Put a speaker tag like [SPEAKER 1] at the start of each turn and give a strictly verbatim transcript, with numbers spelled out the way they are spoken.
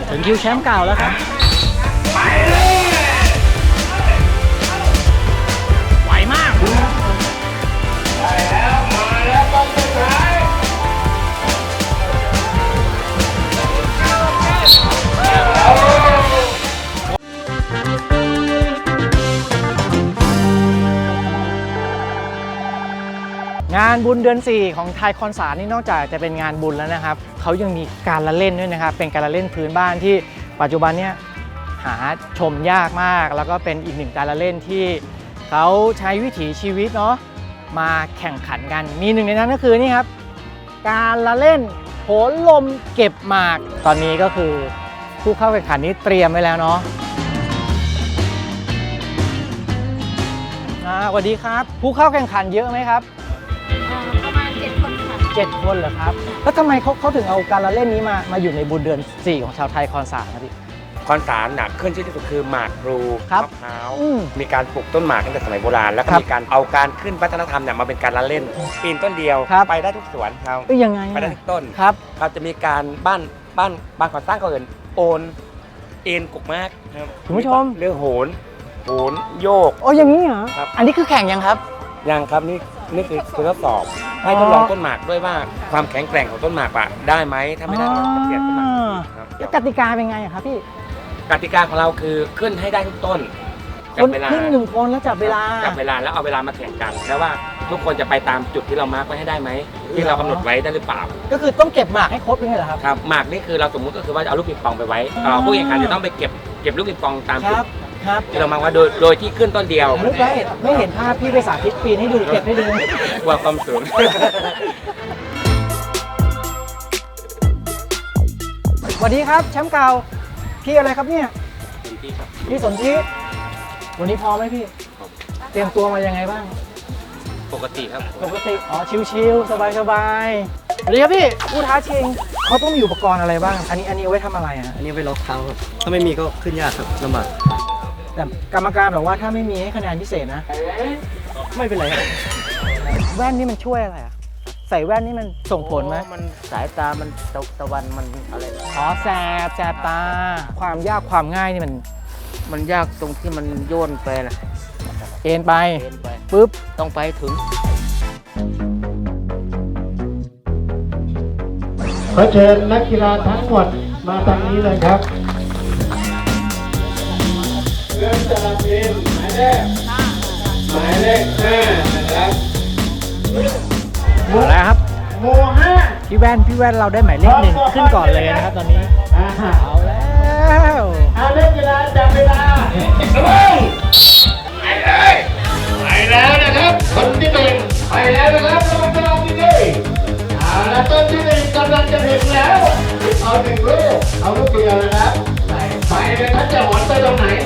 [SPEAKER 1] ถึงคิวแชมป์เก่าแล้วครับไหวมากงานบุญเดือนสี่ของไทยคอนสารนี่นอกจากจะเป็นงานบุญแล้วนะครับเขายังมีการละเล่นด้วยนะครับเป็นการละเล่นพื้นบ้านที่ปัจจุบันเนี่ยหาชมยากมากแล้วก็เป็นอีกหนึ่งการละเล่นที่เขาใช้วิถีชีวิตเนาะมาแข่งขันกันมีหนึ่งในนั้นก็คือนี่ครับการละเล่นโหนลมเก็บหมากตอนนี้ก็คือผู้เข้าแข่งขันนี้เตรียมไว้แล้วเนาะสวัสดีครับผู้เข้าแข่งขันเยอะไหมครับ
[SPEAKER 2] ประมาณเจ็ดคนค่ะ
[SPEAKER 1] เจ็ดคนเหรอครับแล้วทำไมเขาเขาถึงเอาการละเล่นนี้มามาอยู่ในบุญเดือนสี่ของชาวไทยคอนสารครับพี่
[SPEAKER 3] คอนสารหนักขึ้นที่สุดคือหมากพลูมะพร้าวมีการปลูกต้นหมากตั้งแต่สมัยโบราณแล้วก็มีการเอาการขึ้นวัฒนธรรมเนี่ยมาเป็นการละเล่นปีนต้นเดียวไปได้ทุกสวนครับ
[SPEAKER 1] ไปยังไง
[SPEAKER 3] ไปได้ทุกต้น
[SPEAKER 1] ครับ
[SPEAKER 3] เขาจะมีการบ้านบ้านบ้านก่อสร้างเขาเอิ้นโอนเอ็นกุกมากครับ
[SPEAKER 1] คุณผู้ชม
[SPEAKER 3] เรื่องโหนโหนโยก
[SPEAKER 1] โอ้อย่างนี้เหรอครับอันนี้คือแข่งยังครับ
[SPEAKER 3] ยังครับนี่นี่คือคือทดสอบให้ทดลองต้นหมากด้วยว่าความแข็งแกร่งของต้นหมากอะได้ไหมถ้าไม่ได้เราจะเปลี่ยนต้นหมาก
[SPEAKER 1] แล้วกติกาเป็นไงครับพี่
[SPEAKER 3] กติกาของเราคือขึ้นให้ได้ทุกต้น
[SPEAKER 1] จับเวลาขึ้นหนึ่งคนแล้วจับเวลา
[SPEAKER 3] จับเวลาแล้วเอาเวลามาแข่งกันแล้วว่าทุกคนจะไปตามจุดที่เรามาร์กไว้ให้ได้ไหมที่เรากำหนดไว้ได้หรือเปล่า
[SPEAKER 1] ก็คือต้องเก็บหมากให้ครบเลยเหรอครับ
[SPEAKER 3] ครับหมากนี่คือเราสมมุติก็คือว่าเอาลูกปิงปองไปไว้ผู้แข่งขันจะต้องไปเก็บเก็บลูกปิงปองตามจุดที่เรามาว่าโดยโดยที่ขึ้นต้นเดียว
[SPEAKER 1] ไม่ได้ไม่เห็นภาพพี่ไปสาธิตปีนให้ดูเก็บให้ดู
[SPEAKER 3] ว่าความสูง
[SPEAKER 1] สวัสดีครับแชมป์เก่าพี่อะไรครับเนี่ยพี่สนธิวันนี้พร้อมไหมพี่เตรียมตัวมายังไงบ้าง
[SPEAKER 3] ปกติครับ
[SPEAKER 1] ปกติอ๋อชิวๆสบายๆสวัสดีครับพี่ผู้ท้าชิงเขาต้องมีอุปกรณ์อะไรบ้างอันนี้อันนี้เอาไว้ทำอะไรอ่ะ
[SPEAKER 4] อันนี้ไว้ล็อกเท้าครับถ้าไม่มีก็ขึ้นยากครับลำบาก
[SPEAKER 1] แต่กรรมการบอกว่าถ้าไม่มีให้คะแนนพิเศษนะ
[SPEAKER 4] ไม่เป็นไรครับ
[SPEAKER 1] แว่นนี่มันช่วยอะไรอ่ะใส่แว่นนี่มันส่งผลไหม
[SPEAKER 4] มันสายตามันตะวันมันอะไร
[SPEAKER 1] อ๋อแสบแสบตาความยากความง่ายนี่มัน
[SPEAKER 4] มันยากตรงที่มันโยนไปนะ
[SPEAKER 1] เอ็นไปปุ๊บ
[SPEAKER 4] ต้องไปถึง
[SPEAKER 5] ขอเชิญนักกีฬาทั้งหมดมาทางนี้เลยครับเริ่มจากทีมหมายเลขหมายเลขห้านะครับ
[SPEAKER 1] มาแล้วครับ
[SPEAKER 5] โมห้า
[SPEAKER 1] พี่แว่นพี่แว่นเราได้หมายเลขหนึ่งขึ้นก่อนเลยนะครับตอนนี้เอาแล้ว
[SPEAKER 5] เอาเล่นกีฬาจับเวลาไปเลยไปแล้วนะครับคนที่หนึ่งไปแล้วนะครับรอบรอบที่หนึ่งเอาละต้นที่หนึ่งกำลังจะถึงแล้วเอาหนึ่งลูกเอาลูกเดียวนะครับไปเลยท่านจะหมุนไปตรงไหน